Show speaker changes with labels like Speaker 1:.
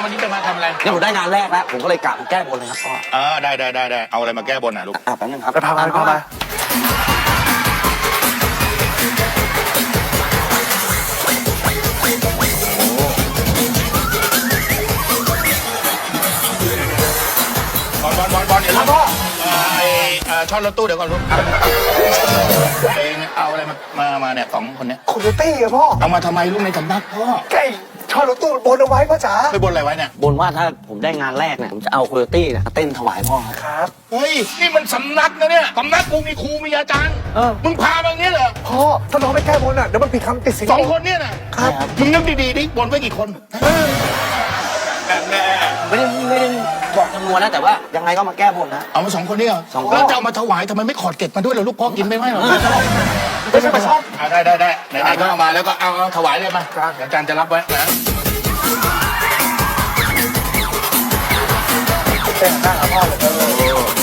Speaker 1: วันนี้จะมาทำอะไร
Speaker 2: เนี่ยผมได้งานแรกแล้วผมก็เลยกะมาแก้บนเลยครับพ่อ
Speaker 1: ได้เอาอะไรมาแก้บนอ่ะลูก
Speaker 2: แป๊บนึงครับ
Speaker 3: ไปพามา
Speaker 1: บอลเดี๋ยวพ่อช่อนรถตู้เดี๋ยวก่อนลูกเอาอะไรมาเนี่ยสองคนเนี้ย
Speaker 3: โคโยตี้อะพ่อ
Speaker 1: เอามาทำไมลูกในสำนักพ่อ
Speaker 3: ใกล้ช่อรถตู้บนเอาไว้พ่อจ๋า
Speaker 1: ไปบนอะไรไว้เนี่ย
Speaker 2: บนว่าถ้าผมได้งานแรกเนี่ยผมจะเอาโคโยตี้เนี่ยมาเต้นถวายพ่อ
Speaker 3: ครับ
Speaker 1: เฮ้ยนี่มันสำนักนะเนี่ยสำนักกูมีครูมีอาจารย์มึงพามาอย่างนี้เหรอ
Speaker 3: พ่อถ้าน้องไปแก้บนอ่ะเดี๋ยวมันผิดคำติดสิน
Speaker 1: สองคนเนี่ยนะครับมึงนึกดีๆดิบนไว้กี่คน
Speaker 2: ไม่ได้บอกจำนวนนะแต่ว่ายังไงก็มาแก้บนนะ
Speaker 1: เอามาสองคนนี่เหรอแล้วจะเอามาถวายทำไมไม่ขอดเก็บมาด้วยเหรอลูกพ่อกินไม่ไหวหรอ
Speaker 3: ไม่ใช่ปลาช่อน
Speaker 1: ได้ไหนๆก็เอามาแล้วก็เอาถวายเลยมาอาจารย์จะรับไว้นะ
Speaker 3: แต่งหน้าพ่อเลย